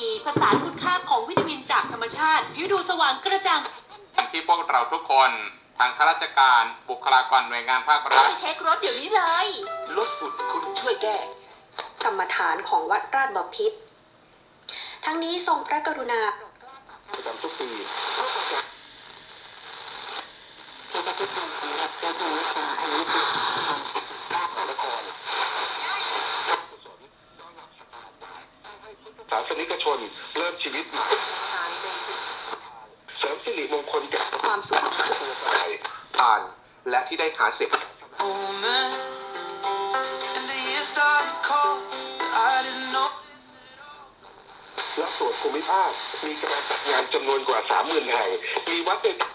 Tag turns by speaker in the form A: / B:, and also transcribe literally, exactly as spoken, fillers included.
A: ดีผสานคุณค่าของวิตามินจากธรรมชาติผิวดูสว่างกระจ่าง
B: ที่พวกเราทุกคนทางข้าราชการบุคลากรหน่วยงานภาครัฐ
A: เช็ครถเดี๋ยวนี้เลย
C: ลดฝุ่นคุณช่วยแก้
D: กรรมฐานของวัดราชบพิตรทั้งนี้ทรงพระกรุณา
C: ประจำทุกปี
E: ที่ประเทศไทยของรัฐและทางวิชาอายุติความสิทธิ์
C: นครศาสนิกชนเริ่มชีวิตใหม่เสริมสิริมงคลแก่
D: ความสุข
C: ผ่านและที่ได้หาเสียงและส่วนภูมิภาคมีการจัดงานจำนวนกว่า สามหมื่น แห่งมีวัดใน